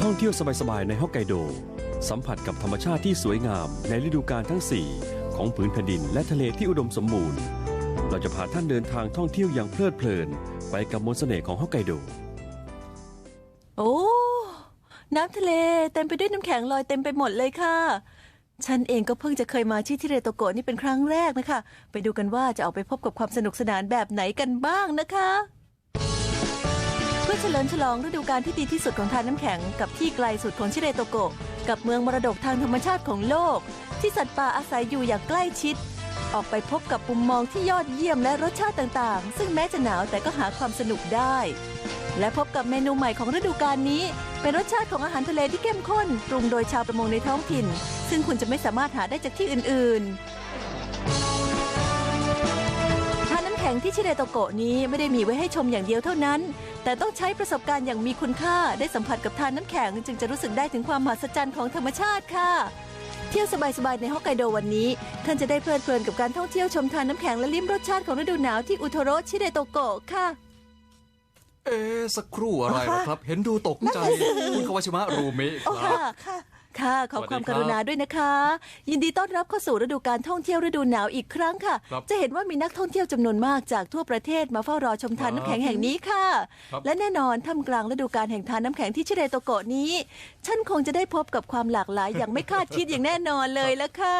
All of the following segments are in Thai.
ท่องเที่ยวสบายๆในฮอกไกโดสัมผัสกับธรรมชาติที่สวยงามในฤดูกาลทั้ง4ของผืนแผ่นดินและทะเลที่อุดมสมบูรณ์เราจะพาท่านเดินทางท่องเที่ยวอย่างเพลิดเพลินไปกับมนต์เสน่ห์ของฮอกไกโดโอ้น้ำทะเลเต็มไปด้วยน้ำแข็งลอยเต็มไปหมดเลยค่ะฉันเองก็เพิ่งจะเคยมาที่เรโตโกะนี่เป็นครั้งแรกนะคะไปดูกันว่าจะเอาไปพบกับความสนุกสนานแบบไหนกันบ้างนะคะเพื่อเฉลิมฉลองฤดูกาลที่ดีที่สุดของทานน้ำแข็งกับที่ไกลสุดของชิเรโตโกะกับเมืองมรดกทางธรรมชาติของโลกที่สัตว์ป่าอาศัยอยู่อย่างใกล้ชิดออกไปพบกับมุมมองที่ยอดเยี่ยมและรสชาติต่างๆซึ่งแม้จะหนาวแต่ก็หาความสนุกได้และพบกับเมนูใหม่ของฤดูกาลนี้เป็นรสชาติของอาหารทะเลที่เข้มข้นปรุงโดยชาวประมงในท้องถิ่นซึ่งคุณจะไม่สามารถหาได้จากที่อื่นๆทานน้ำแข็งที่ชิเรโตโกะนี้ไม่ได้มีไว้ให้ชมอย่างเดียวเท่านั้นแต่ต้องใช้ประสบการณ์อย่างมีคุณค่าได้สัมผัสกับทานน้ำแข็งจึงจะรู้สึกได้ถึงความมหัศจรรย์ของธรรมชาติค่ะเที่ยวสบายๆในฮอกไกโดวันนี้ท่านจะได้เพลิดเพลินกับการท่องเที่ยวชมทานน้ำแข็งและลิ้มรสชาติของฤดูหนาวที่อุโทโรชิเรโตโกะค่ะสักครู่อะไรนะครับเห็นดูตกใจคุณคาวาชิมะรูมิครับค่ะขอความกรุณาด้วยนะคะยินดีต้อนรับเข้าสู่ฤดูการท่องเที่ยวฤดูหนาวอีกครั้งค่ะจะเห็นว่ามีนักท่องเที่ยวจำนวนมากจากทั่วประเทศมาเฝ้ารอชมทานน้ำแข็งแห่งนี้ค่ะและแน่นอนท่ามกลางฤดูกาลแห่งทานน้ำแข็งที่ชิเรโตโกะนี้ฉันคงจะได้พบกับความหลากหลายอย่างไม่คาดคิดอย่างแน่นอนเลยละค่ะ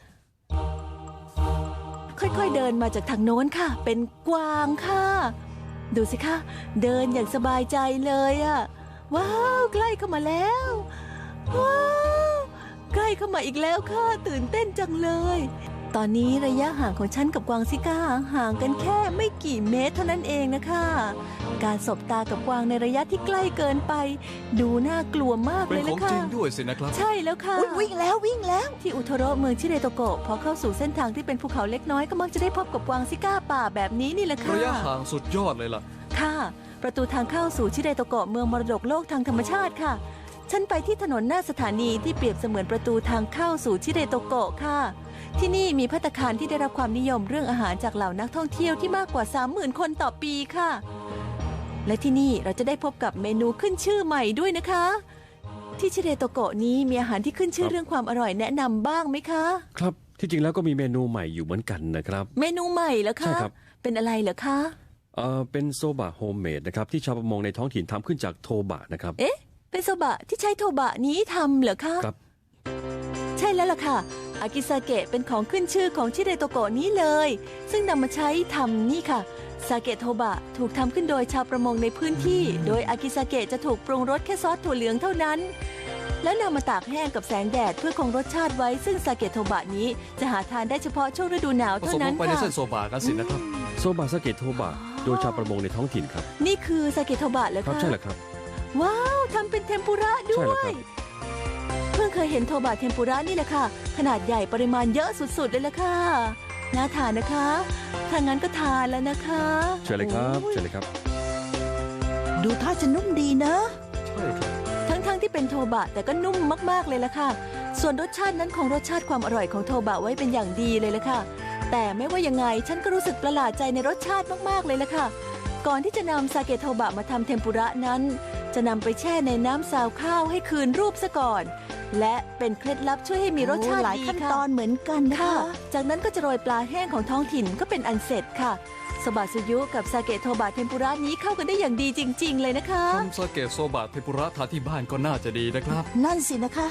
ค่อยๆเดินมาจากทางโน้นค่ะเป็นกวางค่ะดูสิคะเดินอย่างสบายใจเลยอะว้าวใกล้เข้ามาแล้วว้าวใกล้เข้ามาอีกแล้วค่ะตื่นเต้นจังเลยตอนนี้ระยะห่างของฉันกับกวางซิก้าห่างกันแค่ไม่กี่เมตรเท่านั้นเองนะคะการสบตากับกวางในระยะที่ใกล้เกินไปดูน่ากลัวมากเลยละค่ะเป็นของจริงด้วยสินะครับใช่แล้วค่ะวิ่งแล้วที่อุโทโรเมืองชิเรโตโกะพอเข้าสู่เส้นทางที่เป็นภูเขาเล็กน้อยก็มักจะได้พบกับกวางซิก้าป่าแบบนี้นี่แหละค่ะระยะห่างสุดยอดเลยล่ะค่ะประตูทางเข้าสู่ชิเรโตโกะเมืองมรดกโลกทางธรรมชาติค่ะฉันไปที่ถนนหน้าสถานีที่เปรียบเสมือนประตูทางเข้าสู่ชิเรโตโกะค่ะที่นี่มีภัตตาคารที่ได้รับความนิยมเรื่องอาหารจากเหล่านักท่องเที่ยวที่มากกว่า 30,000 คนต่อปีค่ะและที่นี่เราจะได้พบกับเมนูขึ้นชื่อใหม่ด้วยนะคะที่ชิเรโตโกะนี้มีอาหารที่ขึ้นชื่อเรื่องความอร่อยแนะนำบ้างไหมคะครับที่จริงแล้วก็มีเมนูใหม่อยู่เหมือนกันนะครับเมนูใหม่เหรอคะใช่ครับเป็นอะไรเหรอคะเป็นโซบะโฮมเมดนะครับที่ชาวประมงในท้องถิ่นทำขึ้นจากโทบะนะครับเป็นโซบะที่ใช้โทบะนี้ทำเหรอคะครับใช่แล้วล่ะค่ะอากิซาเกะเป็นของขึ้นชื่อของชิเรโตโกะนี้เลยซึ่งนำมาใช้ทำนี่ค่ะซาเกะโทบะถูกทำขึ้นโดยชาวประมงในพื้นที่โดยอากิซาเกะจะถูกปรุงรสแค่ซอสถั่วเหลืองเท่านั้นแล้วนำมาตากแห้งกับแสงแดดเพื่อคงรสชาติไว้ซึ่งซาเกะโทบะนี้จะหาทานได้เฉพาะช่วงฤดูหนาวเท่านั้นค่ะผสมลงไปในเส้นโซบะกันสินะครับโซบะซาเกะโทบะโดยชาวประมงในท้องถิ่นครับนี่คือซาเกะโทบะเหรอคะครับใช่แล้วครับว้าวทำเป็นเทมปุระด้วยเพิ่งเคยเห็นโทบะเทมปุระนี่แหละค่ะขนาดใหญ่ปริมาณเยอะสุดๆเลยล่ะค่ะน่าทานนะคะถ้างั้นก็ทานแล้วนะคะเชิญเลยครับเชิญเลยครับดูท่าจะนุ่มดีนะใช่ครับทั้งที่เป็นโทบะแต่ก็นุ่มมากๆเลยล่ะค่ะส่วนรสชาตินั้นคงรสชาติความอร่อยของโทบะไว้เป็นอย่างดีเลยล่ะค่ะแต่ไม่ว่ายังไงฉันก็รู้สึกประหลาดใจในรสชาติมากๆเลยล่ะค่ะก่อนที่จะนำซาเกะโทบะมาทำเทมปุระนั้นจะนำไปแช่ในน้ำซาวข้าวให้คืนรูปซะก่อนและเป็นเคล็ดลับช่วยให้มีรสชาติดีค่ะหลายขั้นตอนเหมือนกันค่ะจากนั้นก็จะโรยปลาแห้งของท้องถิ่นก็เป็นอันเสร็จค่ะโซบะซุยุกับซาเกะโทบะเทมปุระนี้เข้ากันได้อย่างดีจริงๆเลยนะคะทำซาเกะโซบะเทมปุระทานที่บ้านก็น่าจะดีนะครับนั่นสินะคะ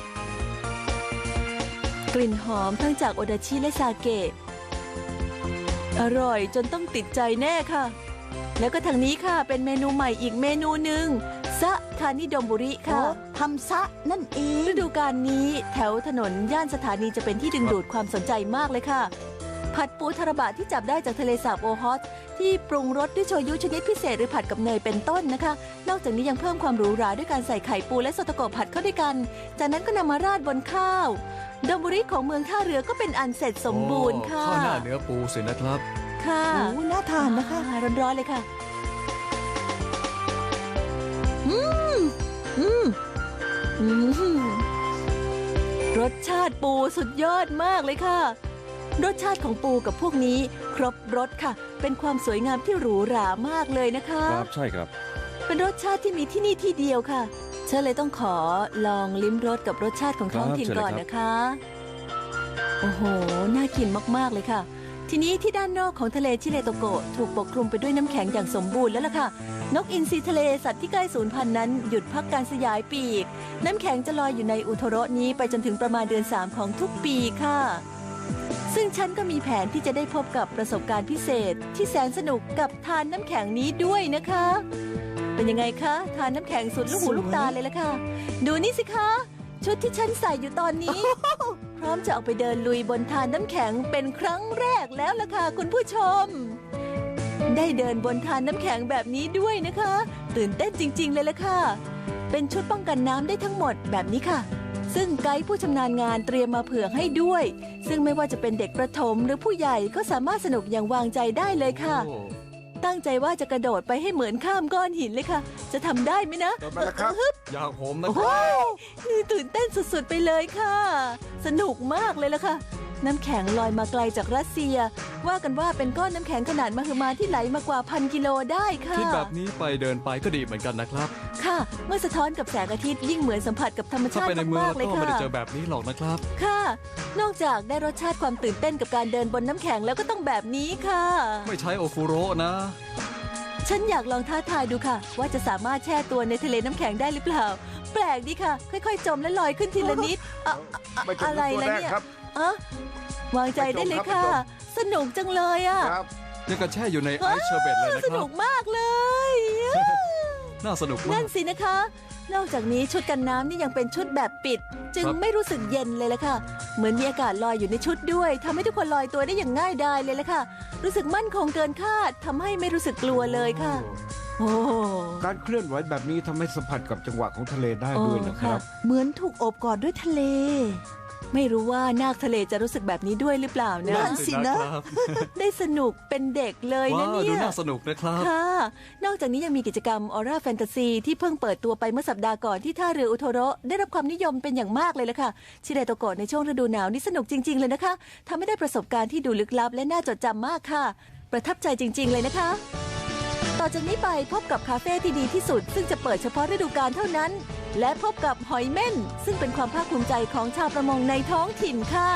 กลิ่นหอมทั้งจากโอดาชิและซาเกะอร่อยจนต้องติดใจแน่ค่ะแล้วก็ทางนี้ค่ะเป็นเมนูใหม่อีกเมนูหนึ่งซะทานิดมบุริค่ะทำซะนั่นเองฤดูกาลนี้แถวถนนย่านสถานีจะเป็นที่ดึงดูดความสนใจมากเลยค่ะผัดปูทาราบะที่จับได้จากทะเลสาบโอฮอตที่ปรุงรสด้วยโชยุชนิดพิเศษหรือผัดกับเนยเป็นต้นนะคะนอกจากนี้ยังเพิ่มความหรูหราด้วยการใส่ไข่ปูและโซโตโกะผัดเข้าด้วยกันจากนั้นก็นำมาราดบนข้าวดมบุริของเมืองท่าเรือก็เป็นอันเสร็จสมบูรณ์ค่ะข้าวหน้าเนื้อปูสินะครับค่ะน่าทานนะคะร้อนๆเลยค่ะรสชาติปูสุดยอดมากเลยค่ะรสชาติของปูกับพวกนี้ครบรสค่ะเป็นความสวยงามที่หรูหรามากเลยนะคะครับใช่ครับเป็นรสชาติที่มีที่นี่ที่เดียวค่ะฉันเลยต้องขอลองลิ้มรสกับรสชาติของท้องถิ่นก่อนนะคะ โอ้โห น่ากินมากๆเลยค่ะ ทีนี้ที่ด้านนอกของทะเลชิเลโตโกะถูกปกคลุมไปด้วยน้ำแข็งอย่างสมบูรณ์แล้วล่ะค่ะ นกอินทรีทะเลสัตว์ที่ใกล้สูญพันธุ์นั้นหยุดพักการสยายปีก น้ำแข็งจะลอยอยู่ในอุโทโระนี้ไปจนถึงประมาณเดือน 3ของทุกปีค่ะ ซึ่งฉันก็มีแผนที่จะได้พบกับประสบการณ์พิเศษที่แสนสนุกกับทานน้ำแข็งนี้ด้วยนะคะ เป็นยังไงคะทานน้ำแข็งสุดลูกหูลูกตาเลยล่ะค่ะ ดูนี่สิคะชุดที่ฉันใส่อยู่ตอนนี้ พร้อมจะออกไปเดินลุยบนทานน้ำแข็งเป็นครั้งแรกแล้วล่ะค่ะคุณผู้ชม ได้เดินบนทานน้ำแข็งแบบนี้ด้วยนะคะ ตื่นเต้นจริงๆเลยล่ะค่ะเป็นชุดป้องกันน้ำได้ทั้งหมดแบบนี้ค่ะซึ่งไกด์ผู้ชำนาญงานเตรียมมาเผื่อให้ด้วยซึ่งไม่ว่าจะเป็นเด็กประถมหรือผู้ใหญ่ก็สามารถสนุกอย่างวางใจได้เลยค่ะโอ้ตั้งใจว่าจะกระโดดไปให้เหมือนข้ามก้อนหินเลยค่ะจะทำได้ไหมนะมาแล้วครับอย่างผมนะคโอ้รับตื่นเต้นสุดๆไปเลยค่ะ สนุกมากเลยล่ะค่ะ น้ำแข็งลอยมาไกลจากรัสเซีย ว่ากันว่าเป็นก้อนน้ำแข็งขนาดมหึมาที่ไหลมากว่า1,000 กิโลได้ค่ะคิดแบบนี้ไปเดินไปก็ดีเหมือนกันนะครับค่ะ เมื่อสะท้อนกับแสงอาทิตย์ยิ่งเหมือนสัมผัสกับธรรมถ้าชาติไปในเมืองมาแล้กวๆเลยก็ไม่ค่ะได้เจอแบบนี้หรอกนะครับค่ะ นอกจากได้รสชาติความตื่นเต้นกับการเดินบนน้ำแข็งแล้วก็ต้องแบบนี้ค่ะไม่ใช้โอฟูโระนะฉันอยากลองท้าทายดูค่ะ ว่าจะสามารถแช่ตัวในทะเลน้ำแข็งได้หรือเปล่า แปลกดีค่ะ ค่อยๆ จมและลอยขึ้นทีละนิดไม่จมอะไรตัวนะแรกเนี่ยครับอะวางใจได้เลยค่ะไม่จมสนุกจังเลยอ่ะครับยังกับแช่อยู่ในไอซ์เชอร์เบตเลยนะสครันุบกมากเลยน่าสนุกมานั่กนสินะคะ นอกจากนี้ชุดกันน้ำนี่ยังเป็นชุดแบบปิด จึงครับไม่รู้สึกเย็นเลยละค่ะ เหมือนมีอากาศลอยอยู่ในชุดด้วยทำให้ทุกคนลอยตัวได้อย่างง่ายดายเลยละค่ะ รู้สึกมั่นคงเกินคาดทำให้ไม่รู้สึกกลัวเลยค่ะ โอ้การเคลื่อนไหวแบบนี้ทำให้สัมผัสกับจังหวะของทะเลได้ด้วยนะครับเหมือนถูกโอบกอดด้วยทะเลไม่รู้ว่านาคทะเลจะรู้สึกแบบนี้ด้วยหรือเปล่านะนั่นสินะครับได้สนุกเป็นเด็กเลยว้านะวเนี่ดูยน่าสนุกนะครับค่ะ นอกจากนี้ยังมีกิจกรรมออร่าแฟนตาซีที่เพิ่งเปิดตัวไปเมื่อสัปดาห์ก่อนที่ท่าเรืออุโทโระได้รับความนิยมเป็นอย่างมากเลยล่ะค่ะ ชิเดโตโกะในช่วงฤดูหนาวนี่สนุกจริง ๆ เลยนะคะทำให้ได้ประสบการณ์ที่ดูลึกลับและน่าจดจำมากค่ะ ประทับใจจริง ๆ เลยนะคะ ต่อจากนี้ไปพบกับคาเฟ่ที่ดีที่สุด ซึ่งจะเปิดเฉพาะฤดูกาลเท่านั้น และพบกับหอยเม่นซึ่งเป็นความภาคภูมิใจของชาวประมงในท้องถิ่นค่ะ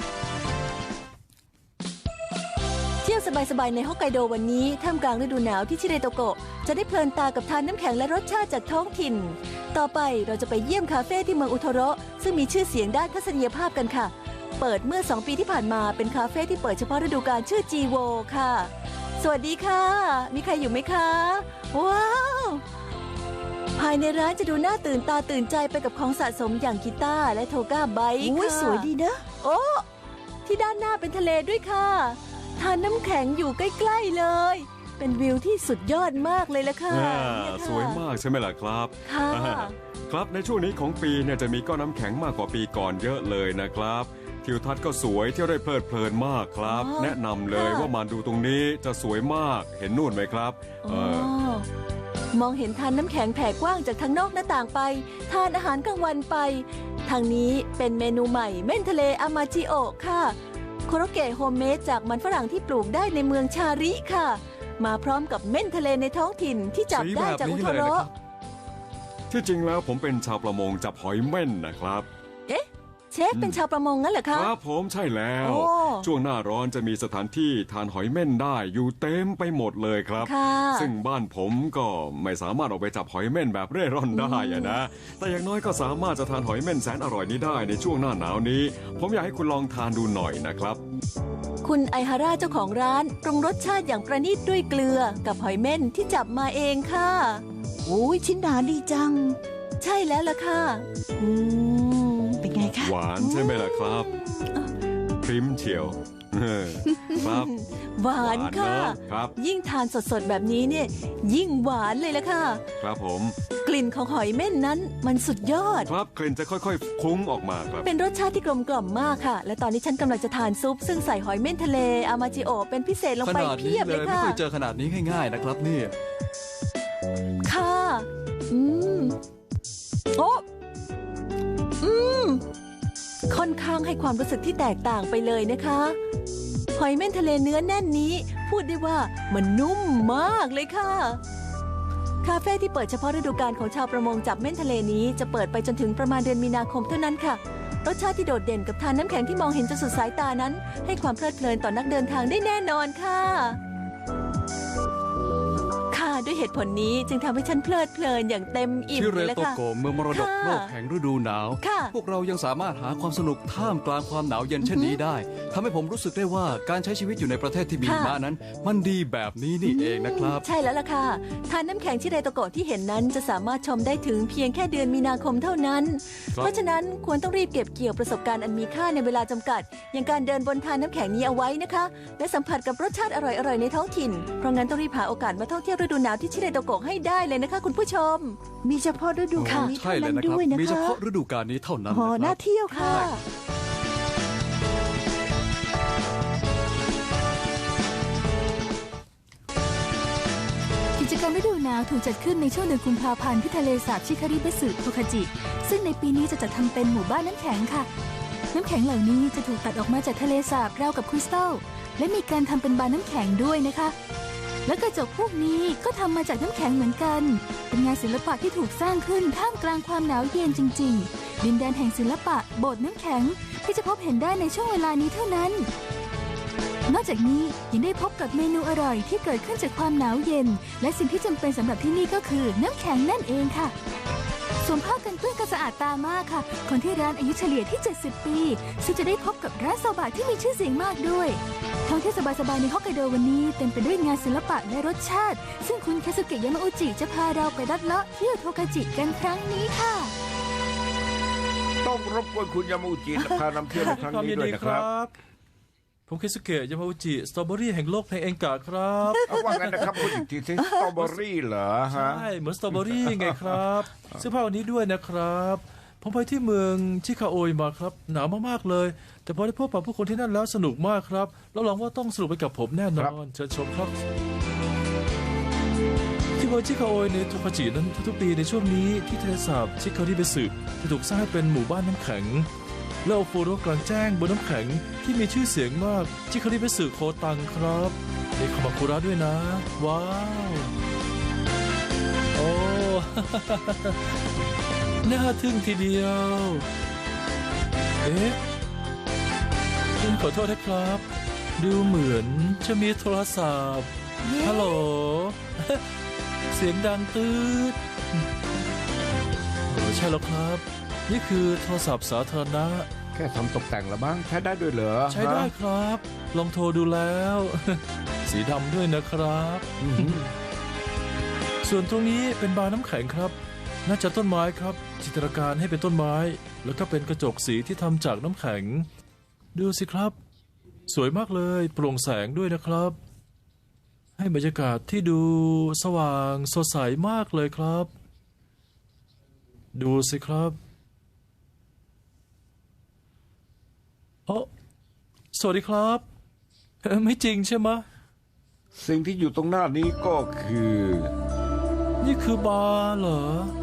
เที่ยวสบายๆในฮอกไกโดวันนี้ท่ามกลางฤดูหนาวที่ชิเรโตโกะจะได้เพลินตากับทานน้ำแข็งและรสชาติจากท้องถิ่น ต่อไปเราจะไปเยี่ยมคาเฟ่ที่เมืองอุโทโระซึ่งมีชื่อเสียงด้านทัศนียภาพกันค่ะ เปิดเมื่อ2 ปีที่ผ่านมาเป็นคาเฟ่ที่เปิดเฉพาะฤดูกาลชื่อจีโวค่ะสวัสดีค่ะ มีใครอยู่ไหมคะว้าวภายในร้านจะดูน่าตื่นตาตื่นใจไปกับของสะสมอย่างกีตาร์และโทก้าไบค์อุ้ยค่ะสวยดีนะโอ้ที่ด้านหน้าเป็นทะเลด้วยค่ะทานน้ำแข็งอยู่ใกล้ๆเลย เป็นวิวที่สุดยอดมากเลยละค่ะเนี่ยค่ะสวยมากใช่ไหมล่ะครับค่ะครับในช่วงนี้ของปีเนี่ยจะมีก้อนน้ำแข็งมากกว่าปีก่อนเยอะเลยนะครับทิวทัศน์ก็สวยเที่ยวได้เพลิดเพลินมากครับอ๋อแนะนำเลยค่ะว่ามาดูตรงนี้จะสวยมากเห็นนู่นไหมครับอ๋อมองเห็นทานน้ำแข็งแผ่กว้างจากทางนอกหน้าต่างไป ทานอาหารกลางวันไป ทางนี้เป็นเมนูใหม่เม่นทะเลอามาจิโอะค่ะโคโรเกะโฮมเมดจากมันฝรั่งที่ปลูกได้ในเมืองชาริค่ะ มาพร้อมกับเม่นทะเลในท้องถิ่นที่จับได้จากอุโทโระที่จริงแล้วผมเป็นชาวประมงจับหอยเม่นนะครับเชฟเป็นชาวประมงงั้นเหรอคะครับผมใช่แล้วโอ้ช่วงหน้าร้อนจะมีสถานที่ทานหอยเม่นได้อยู่เต็มไปหมดเลยครับค่ะซึ่งบ้านผมก็ไม่สามารถออกไปจับหอยเม่นแบบเร่ร่อนได้อะนะ แต่อย่างน้อยก็สามารถจะทานหอยเม่นแสนอร่อยนี้ได้ในช่วงหน้าหนาวนี้ ผมอยากให้คุณลองทานดูหน่อยนะครับคุณไอฮาร่าเจ้าของร้านปรุงรสชาติอย่างประณีตด้วยเกลือกับหอยเม่นที่จับมาเองค่ะอุ้ยชิ้นหนาดีจังใช่แล้วล่ะค่ะ อืมเป็นไงคะหวานใช่ไหมล่ะครับพริมเชียวครับหวานค่ะหวานเนอะครับยิ่งทานสดๆแบบนี้เนี่ยยิ่งหวานเลยละค่ะครับผมกลิ่นของหอยเม่นนั้นมันสุดยอดครับกลิ่นจะค่อยๆคุ้งออกมาครับเป็นรสชาติที่กลมกล่อมมากค่ะ และตอนนี้ฉันกำลังจะทานซุป ซึ่งใส่หอยเม่นทะเลอามาจิโอะเป็นพิเศษลงขไปนาดเพีนี้ยบเลเลย ยไม่ค่ะเคยเจอขนาดนี้ง่ายๆนะครับนี่ค่ะ อืม โอ้อืม ค่อนข้างให้ความรู้สึกที่แตกต่างไปเลยนะคะ หอยเม่นทะเลเนื้อแน่นนี้ พูดได้ว่ามันนุ่มมากเลยค่ะคาเฟ่ที่เปิดเฉพาะฤดูกาลของชาวประมงจับเม่นทะเลนี้จะเปิดไปจนถึงประมาณเดือนมีนาคมเท่านั้นค่ะรสชาติที่โดดเด่นกับทานน้ำแข็งที่มองเห็นจนสุดสายตานั้นให้ความเพลิดเพลินต่อนักเดินทางได้แน่นอนค่ะด้วยเหตุผลนี้จึงทำให้ฉันเพลิดเพลินอย่างเต็มอิ่มที่เรเลยละโตค่ะโกะเมืองมรดกโลกแห่งฤดูหนาวค่ะพวกเรายังสามารถหาความสนุกท่ามกลางความหนาวเย็นเช่นนี้ได้ทำให้ผมรู้สึกได้ว่าการใช้ชีวิตอยู่ในประเทศที่มีหิมะนั้น มันดีแบบนี้นี่เองนะครับใช่แล้วล่ะค่ะทานน้ำแข็งที่เรโตโกะที่เห็นนั้นจะสามารถชมได้ถึงเพียงแค่เดือนมีนาคมเท่านั้น เพราะฉะนั้นควรต้องรีบเก็บเกี่ยวประสบการณ์อันมีค่าในเวลาจำกัด อย่างการเดินบนทานน้ำแข็งนี้เอาไว้นะคะและสัมผัสกับรสชาติอร่อยๆในท้องถิ่นเพราะงั้นต้องรีบหาโอกาสมาท่องเที่ยวฤดูหนาวที่ชิเรโตโกะให้ได้เลยนะคะคุณผู้ชมมีเฉพาะฤดูกาลนี้ใช่เท่าเลยนั้นนะครับด้วยนะมีเฉคะพาะฤดูกาลนี้เท่านั้นโอ้นะคน่ารับเที่ยวค่ะกิจกรรมฤดูหนาวถูกจัดขึ้นในช่วงเดือนกุมภาพันธ์ที่ทะเลสาบชิคาริเบสึโทคาจิซึ่งในปีนี้จะจัดทำเป็นหมู่บ้านน้ำแข็งค่ะน้ำแข็งเหล่านี้จะถูกตัดออกมาจากทะเลสาบราวกับคริสตัลและมีการทำเป็นบาร์น้ำแข็งด้วยนะคะและกระจกพวกนี้ก็ทำมาจากน้ำแข็งเหมือนกันเป็นงานศิลปะที่ถูกสร้างขึ้นท่ามกลางความหนาวเย็นจริงๆดินแดนแห่งศิลปะโบสถ์น้ำแข็งที่จะพบเห็นได้ในช่วงเวลานี้เท่านั้นนอกจากนี้ยังได้พบกับเมนูอร่อยที่เกิดขึ้นจากความหนาวเย็นและสิ่งที่จำเป็นสำหรับที่นี่ก็คือน้ำแข็งนั่นเองค่ะสวมผ้ากันเปื้อนก็สะอาดตามากค่ะคนที่ร้านอายุเฉลี่ยที่70ปีซึ่งจะได้พบกับร้านโซบะที่มีชื่อเสียงมากด้วยท่องเที่ยวสบายๆในฮอกไกโดวันนี้เต็มไปด้วยงานศิลปะและรสชาติซึ่งคุณคาสุเกะยามาอุจิจะพาเราไปลัดเลาะเที่ยวโทคาจิกันครั้งนี้ค่ะต้องรบกวนคุณยามาอุจิพานำเที่ยวในครั้งนี้ด้วยนะครับผมเคซุเกะยามาอุจิสตรอเบอรี่แห่งโลกเพลงเองกะครับเอาว่างั้นนะครับพูดอีกทีสิสตรอเบอรี่เหรอฮะใช่เหมือนสตรอเบอรี่ไงครับเสื้อผ้าวันนี้ด้วยนะครับผมไปที่เมืองชิคาโอยมาครับหนาวมากๆเลย แต่พอได้พบปะผู้คนที่นั่นแล้วสนุกมากครับรับรองว่าต้องสนุกไปกับผมแน่นอนเชิญชมครับที่เมืองชิคาโอยในโทคาจินั้นทุกๆปีในช่วงนี้ที่ทะเลสาบชิคาริเบสึจะถูกสร้างให้เป็นหมู่บ้านน้ำแข็งและโอโฟโรกลางแจ้งบนน้ำแข็งที่มีชื่อเสียงมากชิคาริเบสึโคตังครับมีคามาคุระด้วยนะว้าวโอ้ น่าทึ่งทีเดียวเอ๊ะขอโทษนะครับ ดูเหมือนจะมีโทรศัพท์ฮัลโหล เสียงดังตืดใช่แล้วครับ นี่คือโทรศัพท์สาธารณะแค่ทำตกแต่งละบ้างใช้ได้ด้วยเหรอใช้ได้ครับ ลองโทรดูแล้ว สีดำด้วยนะครับ ส่วนตรงนี้เป็นบาร์น้ำแข็งครับ น่าจะต้นไม้ครับ จินตนาการให้เป็นต้นไม้ แล้วก็เป็นกระจกสีที่ทำจากน้ำแข็ง ดูสิครับ สวยมากเลยโปร่งแสงด้วยนะครับ ให้บรรยากาศที่ดูสว่างสดใสมากเลยครับ ดูสิครับโอ้สวัสดีครับไม่จริงใช่ไหมสิ่งที่อยู่ตรงหน้านี้ก็คือนี่คือบาร์เหรอ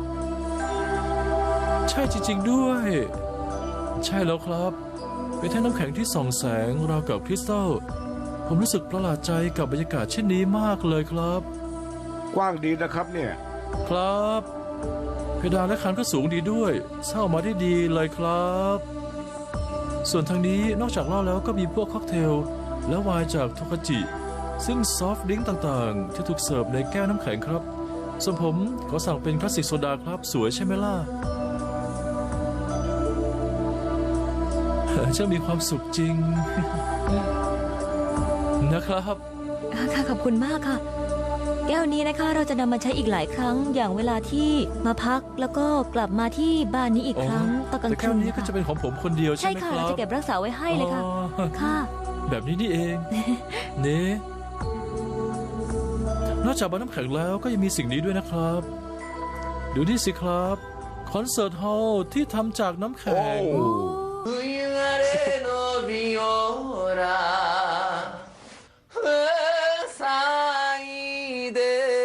ใช่จริงๆด้วย ใช่แล้วครับ เป็นแท่งน้ำแข็งที่ส่องแสงราวกับคริสตัลผมรู้สึกประหลาดใจกับบรรยากาศเช่นนี้มากเลยครับกว้างดีนะครับเนี่ยครับเพดานและคานก็สูงดีด้วยเช่ามาได้ดีเลยครับ ส่วนทางนี้นอกจากเหล้าแล้วก็มีพวกค็อกเทลและไวน์จากโทคาจิซึ่งซอฟต์ดริงก์ต่างๆที่ถูกเสิร์ฟในแก้วน้ำแข็งครับส่วนผมขอสั่งเป็นคลาสสิกโซดาครับสวยใช่ไหมล่ะ ช่างมีความสุขจริง นะครับค่ะขอบคุณมากค่ะ แก้วนี้นะคะเราจะนำมาใช้อีกหลายครั้งอย่างเวลาที่มาพักแล้วก็กลับมาที่บ้านนี้อีกครั้งตอนกลางแต่คืแก้วน นี้ก็จะเป็นของผมคนเดียวใช่ใช่ไหมค่ะครัเราบจะเก็บรักษาไว้ให้เลยค่ะอ๋อค่ะแบบนี้นี่เอง เน่นอกจากบาร์น้ำแข็งแล้วก็ยังมีสิ่งนี้ด้วยนะครับ ดูนี่สิครับคอนเสิร์ตฮอลล์ที่ทำจากน้ำแข็งโอ้冬晴れのビオラ咲いて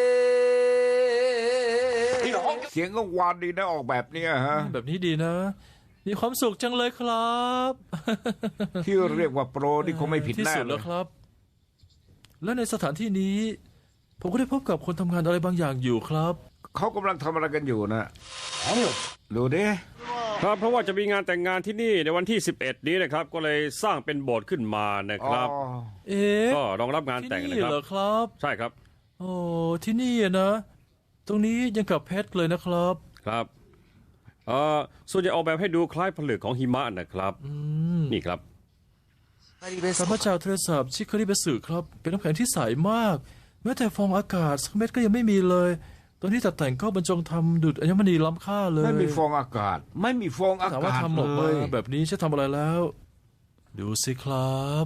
เสียงกังวานดีนะออกแบบเนี้ยฮะแบบนี้ดีนะ มีความสุขจังเลยครับที่เรียกว่าโปรนี่คงไม่ผิดที่แน่สุดเลแล้ยวครับ และในสถานที่นี้ ผมก็ได้พบกับคนทำงานอะไรบางอย่างอยู่ครับเขากำลังทำอะไรกันอยู่นะดูดิครับเพราะว่าจะมีงานแต่งงานที่นี่ในวันที่ 11 นี้นะครับ ก็เลยสร้างเป็นโบสถ์ขึ้นมานะครับอ๋อเอ๊ะก็รองรับงานที่แต่งนะนี่ครับเหรอครับใช่ครับโอ้ที่นี่อะนะ ตรงนี้ยังกับเพชรเลยนะครับครับส่วนจะออกแบบให้ดูคล้ายผลึกของหิมะนะครับนี่ครับข้าพเจ้าเทเรซาชิคาริเบสึครับ เป็นน้ำแข็งที่ใสมาก แม้แต่ฟองอากาศสักเม็ดก็ยังไม่มีเลยตอนที่ตัดแต่งก็บรรจงทำดุจอัญมณีล้ำค่าเลยไม่มีฟองอากาศ ไม่มีฟองอาถามว่ากาศทำออกเลมาย แบบนี้จะทำอะไรแล้ว ดูสิครับ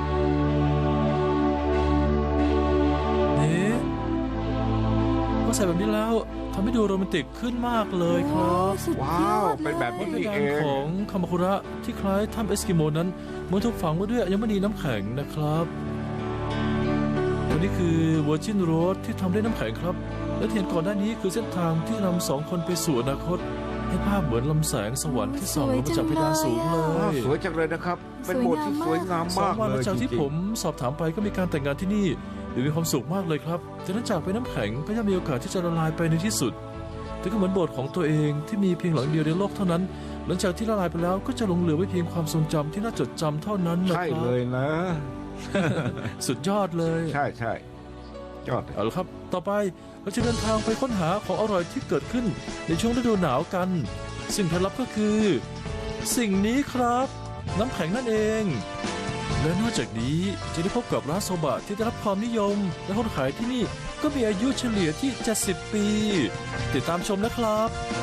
นี่พอใส่แบบนี้แล้วทำให้ดูโรแมนติกขึ้นมากเลยครับสุดยว้าอวดเป็นแบบวันี้ฒนนี่ธรเอรมงของคามาคุระที่คล้ายถ้ำเอสกิโมนั้นมันถูกฝังไว้ด้วยอัญมณีน้ำแข็งนะครับตัวนี้คือเวอร์จินโรดที่ทำด้วยน้ำแข็งครับ และที่เห็นก่อนหน้านี้คือเส้นทางที่นำสองคนไปสู่อนาคต ให้ภาพเหมือนลำแสงสวรรค์ที่ส่องลงมาจากเพดานสูงเลว้าวย สวยจังเลยนะครับ เป็นโบสถ์ที่สวยงามสองมากวันหเลลังยจากจที่ริผงมสอบถามไปก็มีการแต่งงานที่นี่หรือมีความสุขมากเลยครับจากนั้นจากไปน้ำแข็งก็ย่อมมีโอกาสที่จะละลายไปในที่สุดแต่ก็เหมือนโบสถ์ของตัวเองที่มีเพียงหลังเดียวในโลกเท่านั้น หลังจากที่ละลายไปแล้วก็จะหลงเหลือไว้เพียงความทรงจำที่น่าจดจำเท่านั้นๆนะใช่ครัเลบยนะสุดยอดเลยใช่ใช่ยอดเลยเอาละครับ ต่อไปเราจะเดินทางไปค้นหาของอร่อยที่เกิดขึ้นในช่วงฤดูหนาวกันสิ่งเคล็ดลับก็คือ สิ่งนี้ครับ น้ำแข็งนั่นเอง และนอกจากนี้จะได้พบกับร้านโซบะที่ได้รับความนิยม และคนขายที่นี่ก็มีอายุเฉลี่ยที่ 70 ปี ติดตามชมนะครับ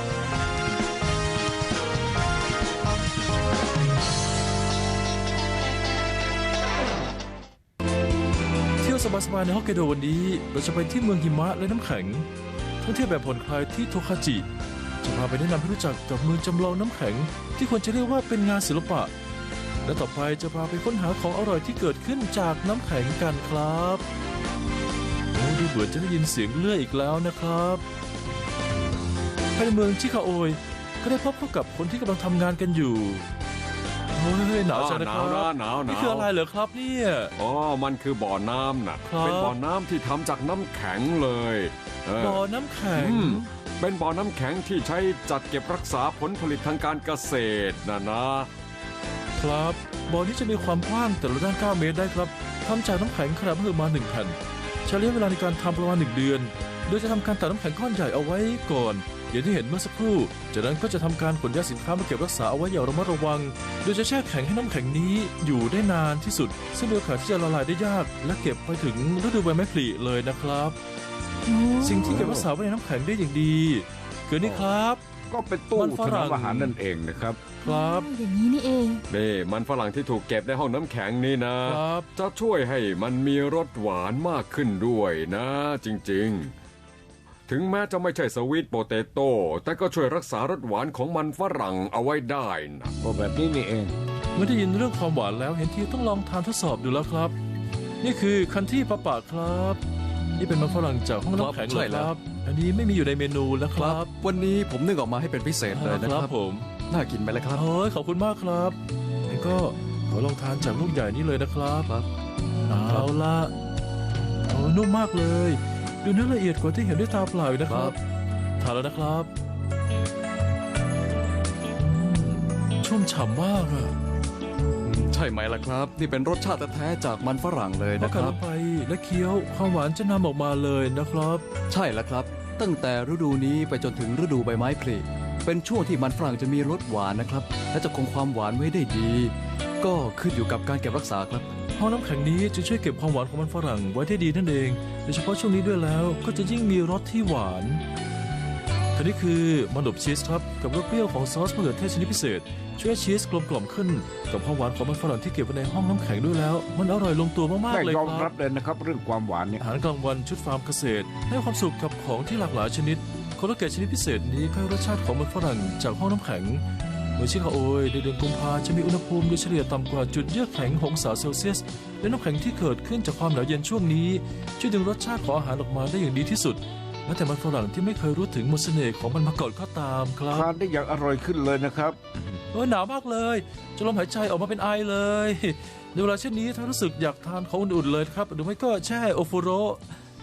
เที่ยวสบายๆในฮอกไกโดวันนี้เราจะไปที่เมืองหิมะและน้ำแข็งท่องเที่ยวแบบผ่อนคลายที่โทคาจิจะพาไปแนะนำให้รู้จักกับเมืองจำลองน้ำแข็งที่ควรจะเรียกว่าเป็นงานศิลปะและต่อไปจะพาไปค้นหาของอร่อยที่เกิดขึ้นจากน้ำแข็งกันครับโอ้ดูเหมือนจะได้ยินเสียงเลื่อยอีกแล้วนะครับภายในเมืองชิคาโอยก็ได้พบเข้ากับคนที่กำลังทำงานกันอยู่โอ้ยหนาวจังนะครับหนาวนี่คืออะไรเหรอครับเนี่ยอ๋อ มันคือบ่อน้ำนะครับ เป็นบ่อน้ำที่ทำจากน้ำแข็งเลยเบ่อน้ำแข็งอืมเป็นบ่อน้ำแข็งที่ใช้จัดเก็บรักษาผลผลิตทางการเกษตรนะครับบ่อนี้จะมีความกว้างแต่ละด้าน 9 เมตรได้ครับทำจากน้ำแข็งขนาดมหึมา1แผ่นใช้ระยะเวลาในการทำประมาณ1 เดือน โดยจะทำการตัดน้ำแข็งก้อนใหญ่เอาไว้ก่อนอย่างที่เห็นเมื่อสักครู่จากนั้นก็จะทำการขนย้ายสินค้ามาเก็บรักษาเอาไว้อย่างระมัดระวัง โดยจะแช่แข็งให้น้ำแข็งนี้อยู่ได้นานที่สุด ซึ่งมีโอกาสที่จะละลายได้ยาก และเก็บไปถึงฤดูใบไม้ผลิเลยนะครับ สิ่งที่เก็บรักษาไว้ในน้ำแข็งได้อย่างดีคือนี่ครับก็เป็นตู้มันฝถรั่นอง มอาหารนั่นเองนะครับครับอย่างนี้นี่เองนี่มันฝรั่งที่ถูกเก็บในห้องน้ำแข็งนี่นะครับจะช่วยให้มันมีรสหวานมากขึ้นด้วยนะจริงๆ ถึงแม้จะไม่ใช่สวีทโปเตโต้แต่ก็ช่วยรักษารสหวานของมันฝรั่งเอาไว้ได้นะก็แบบนี้นี่เองเมื่อได้ยินเรื่องความหวานแล้วเห็นทีต้องลองทานทดสอบดูแล้วครับ นี่คือคันที่ปะปะครับ นี่เป็นมันฝรั่งจากห้องน้ำแข็งใช่เลยแล้คว รับ อันนี้ไม่มีอยู่ในเมนูนะคครัรับ บ วันนี้ผมนึกออกมาให้เป็นพิเศษเลยนะครับผมน่ากินไหมล่ะครับโอ้ยขอบคุณมากครับงั้นก็ขอลองทานจากลูกใหญ่นี้เลยนะครับครับเอาละโอ้นุ่มมากเลย ดูเนื้อละเอียดกว่าที่เห็นด้วยตาเปล่าอีกนะครับทานแล้วนะครับชุ่มฉ่ำมากอะใช่ไหมล่ะครับ นี่เป็นรสชาติแท้ๆจากมันฝรั่งเลยพอนะคกัดรัลบงไปและเคี้ยวความหวานจะนำออกมาเลยนะครับใช่แล้วครับ ตั้งแต่ฤดูนี้ไปจนถึงฤดูใบไม้ผลิเป็นช่วงที่มันฝรั่งจะมีรสหวานนะครับ และจะคงความหวานไว้ได้ดี ก็ขึ้นอยู่กับการเก็บรักษาครับห้องน้ำแข็งนี้จะช่วยเก็บความหวานของมันฝรั่งไว้ได้ดีนั่นเอง โดยเฉพาะช่วงนี้ด้วยแล้วก็จะยิ่งมีรสที่หวานอันนี้คือมันอบชีสครับกับรสเปรี้ยวของซอสมะเขือเทศชนิดพิเศษ ช่วยให้ชีสกลมกล่อมขึ้น กับความหวานของมันฝรั่งที่เก็บไว้ในห้องน้ำแข็งด้วยแล้ว มันอร่อยลงตัวมากได้ๆเลยยอมครัรับบ เลยนะครับ เรื่องความหวานเนี่ยอาหารกลางวันชุดฟาร์มเกษตร ให้ความสุขกับของที่หลากหลายชนิดโคโลเกตชนิดพิเศษนี้ก็ให้รสชาติของมันฝรั่งจากห้องน้ำแข็งเมื่อชิคาโอยในเดือนกุมภาจะมีอุณหภูมิโดยเฉลี่ยต่ำกว่าจุดเยือกแข็ง6 องศาเซลเซียสและน้ำแข็งที่เกิดขึ้นจากความหนาวเย็นช่วงนี้ช่วยดึงรสชาติของอาหารออกมาได้อย่างดีที่สุดแม้แต่มันฝรั่งที่ไม่เคยรู้ถึงมนต์เสน่ห์ของมันมาก่อนก็ตามครับทานได้อย่างอร่อยขึ้นเลยนะครับหนาวมากเลยจะลมหายใจออกมาเป็นไอเลยในเวลาเช่นนี้ถ้ารู้สึกอยากทานของอุ่นๆเลยครับหรือไม่ก็แช่โอฟูโร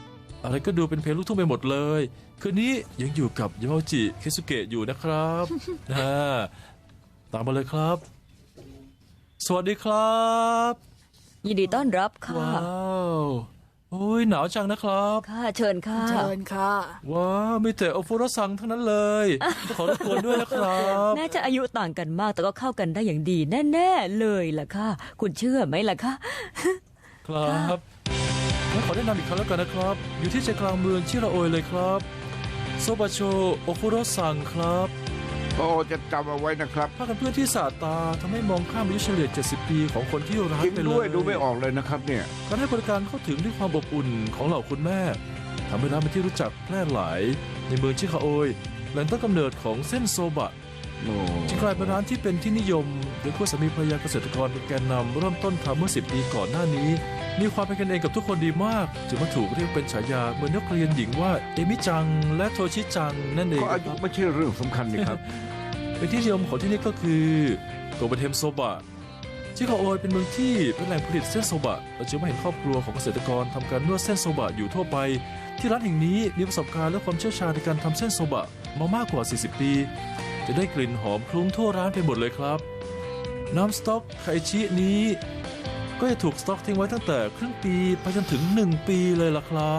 อะไรก็ดูเป็นเพลงลูกทุ่งไปหมดเลย คืนนี้ยังอยู่กับยามาจิเคซุเกะอยู่นะครับ ตามมาเลยครับ สวัสดีครับยินดีต้อนรับค่ะว้าวโอ้ยหนาวจังนะครับค่ะเชิญค่ะเชิญค่ะว้าวมีแต่โอฟุรซังทั้งนั้นเลยขอรบกวนด้วยนะครับแม้จะอายุต่างกันมากแต่ก็เข้ากันได้อย่างดีแน่ๆเลยล่ะค่ะ คุณเชื่อไหมล่ะคะครับงั้นขอแนะนำอีกครั้งแล้วกันนะครับ อยู่ที่ใจกลางเมืองชิราโอยเลยครับโซบะโชโอฟุโรซังครับโอ้จะจำเอาไว้นะครับผ้ากันเพื่อนที่สาดตาทำให้มองข้ามอายุเฉลี่ย 70 ปีของคนที่ร้านจริงไปเลด้วยยดูไม่ออกเลยนะครับเนี่ยการให้บริการเข้าถึงด้วยความอบอุ่นของเหล่าคุณแม่ทำให้ร้านเป็นที่รู้จักแพร่หลายในเมืองชิคาโอยแหล่งต้นกำเนิดของเส้นโซบะโอ้จึงกลายเป็นร้านที่เป็นที่นิยมโดยคู่สามีภรรยาเกษตรกรเป็นแกนนำเริ่มต้นทำเมื่อ 10 ปีก่อนหน้านี้ มีความเป็นกันเองกับทุกคนดีมากจึงมาถูกเรียกเป็นฉายาเหมือนนักเรียนหญิงว่าเอมิจังและโทชิจังนั่นเองก็อายุไม่ใช่เรื่องสำคัญนี่ครับเป็นที่นิยมของที่นี่ก็คือโกเบเทมโซบะชิคาโอยเป็นเมืองที่เป็นแหล่งผลิตเส้นโซบะเราจึงไม่เห็นครอบครัวของเกษตรกรทำการนวดเส้นโซบะอยู่ทั่วไปที่ร้านแห่งนี้มีประสบการณ์และความเชี่ยวชาญในการทำเส้นโซบะมามากกว่า 40 ปี จะได้กลิ่นหอมคลุ้งทั่วร้านไปหมดเลยครับน้ำสต๊อกไคชินี้ก็จะถูกสต๊อกทิ้งไว้ตั้งแต่ครึ่งปีไปจนถึง1 ปีเลยล่ะครับ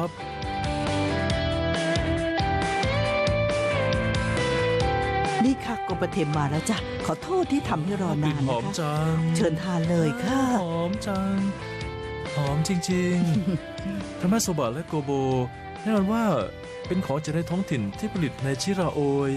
นี่ค่ะโกบะเทมมาแล้วจ้ะขอโทษที่ทำให้รอนานหอนะมคะจังเชิญทานเลยค่ะหอมจัง หอมจริงๆ ทำให้โซบะและโกโบแน่นอนว่าเป็นของจากในท้องถิ่นที่ผลิตในชิราโอย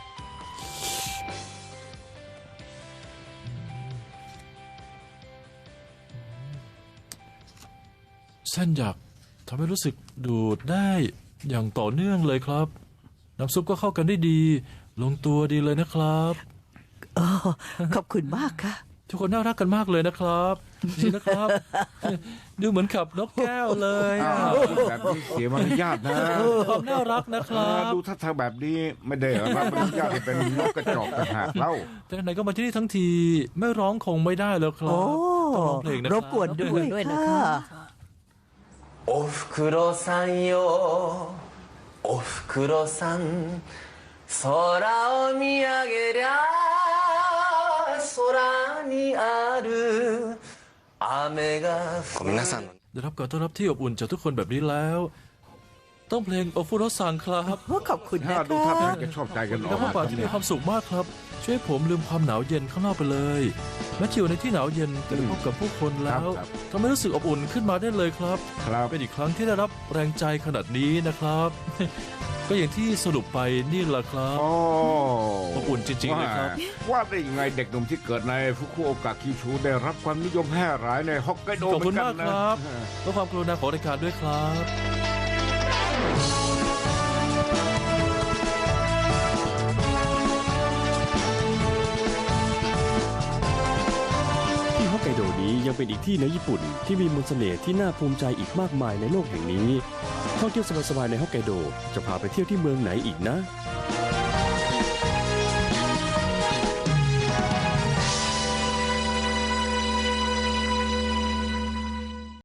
เส้นหยักทำให้รู้สึกดูดได้อย่างต่อเนื่องเลยครับ น้ำซุปก็เข้ากันได้ดี ลงตัวดีเลยนะครับโอ้ขอบคุณมากค่ะทุกคนน่ารักกันมากเลยนะครับนี่นะครับ ดูเหมือนขับนกแก้วเลยอ้าวแบบนี้เสียมารยาทนะความน่ารักนะครับดูท่าทางแบบนี้ไม่ได้รับมารยาทให้เป็นนกกระจอกต่างหากเล่าแต่ไหนก็มาที่นี่ทั้งทีไม่ร้องคงไม่ได้แล้วครัโอ้บต้องร้องเพลงนะครรับบกวนด้วยด้วยนะค่ะคะおふくろさんよおふくろさん空を見上げりゃ空にある雨が降る皆さんのได้รับการต้อนรับที่อบอุ่นจากทุกคนแบบนี้แล้ว ต้องเพลงโอฟุโรซังครับขอบคุณถ้านะดูท่าคะทางจะชอบใจกันอแล้อวกพวมากป่าที่มีความสุขมากครับ ช่วยให้ผมลืมความหนาวเย็นข้างนอกไปเลยแม้จะอยู่ในที่หนาวเย็นแต่ได้พบกับผู้คนแล้วทำให้รู้สึกอบอุ่นขึ้นมาได้เลยครับครับเป็นอีกครั้งที่ได้รับแรงใจขนาดนี้นะครับ ก็อย่างที่สรุปไปนี่แหละครับโอ้อบอุ่นจริงๆเลยครับว่าได้ยังไงเด็กหนุ่มที่เกิดในฟุกุโอกะคิชูได้รับความนิยมแพร่หลายในฮอกไกโดขอบเหมืคุอณนกัมากนคนะรับและความกรุณาของรายการด้วยครับที่ฮอกไกโดนี้ยังเป็นอีกที่ในญี่ปุ่นที่มีมนต์เสน่ห์ที่น่าภูมิใจอีกมากมายในโลกแห่งนี้ท่องเที่ยวสบายๆในฮอกไกโดจะพาไปเที่ยวที่เมืองไหนอีกนะ